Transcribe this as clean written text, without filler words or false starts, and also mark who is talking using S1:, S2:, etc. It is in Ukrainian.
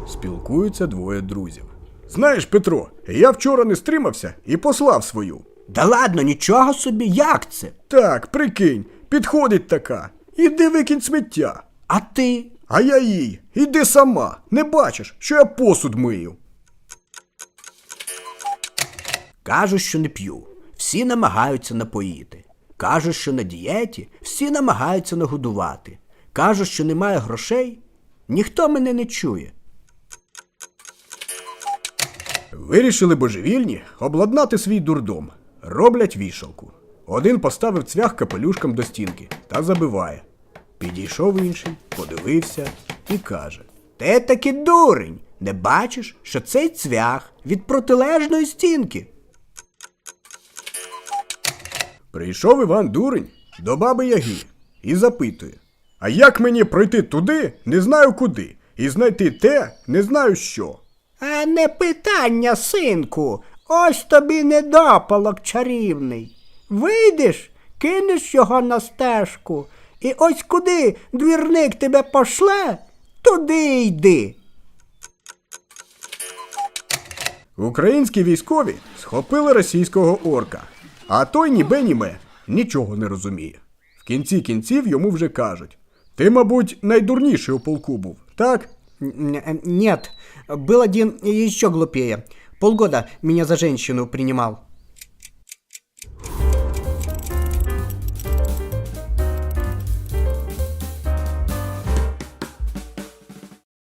S1: Спілкуються двоє друзів. Знаєш, Петро, я вчора не стримався і послав свою.
S2: Да ладно, нічого собі, як це?
S1: Так, прикинь, підходить така. Іди викинь сміття.
S2: А ти?
S1: А я їй. Іди сама. Не бачиш, що я посуд мию.
S2: Кажу, що не п'ю. Всі намагаються напоїти. Кажу, що на дієті. Всі намагаються нагодувати. Кажу, що немає грошей. Ніхто мене не чує.
S1: Вирішили божевільні обладнати свій дурдом. Роблять вішалку. Один поставив цвях капелюшком до стінки та забиває. Підійшов інший, подивився і каже:
S2: Ти таки дурень. Не бачиш, що цей цвях від протилежної стінки?
S1: Прийшов Іван Дурень до баби Яги і запитує: а як мені пройти туди, не знаю куди, і знайти те, не знаю що?
S2: А не питання, синку. Ось тобі недопалок чарівний. Вийдеш, кинеш його на стежку, і ось куди двірник тебе пошле, туди йди.
S1: Українські військові схопили російського орка, а той німе нічого не розуміє. В кінці кінців йому вже кажуть: ти, мабуть, найдурніший у полку був, так?
S2: Нет, был один еще глупее. Полгода меня за женщину принимал.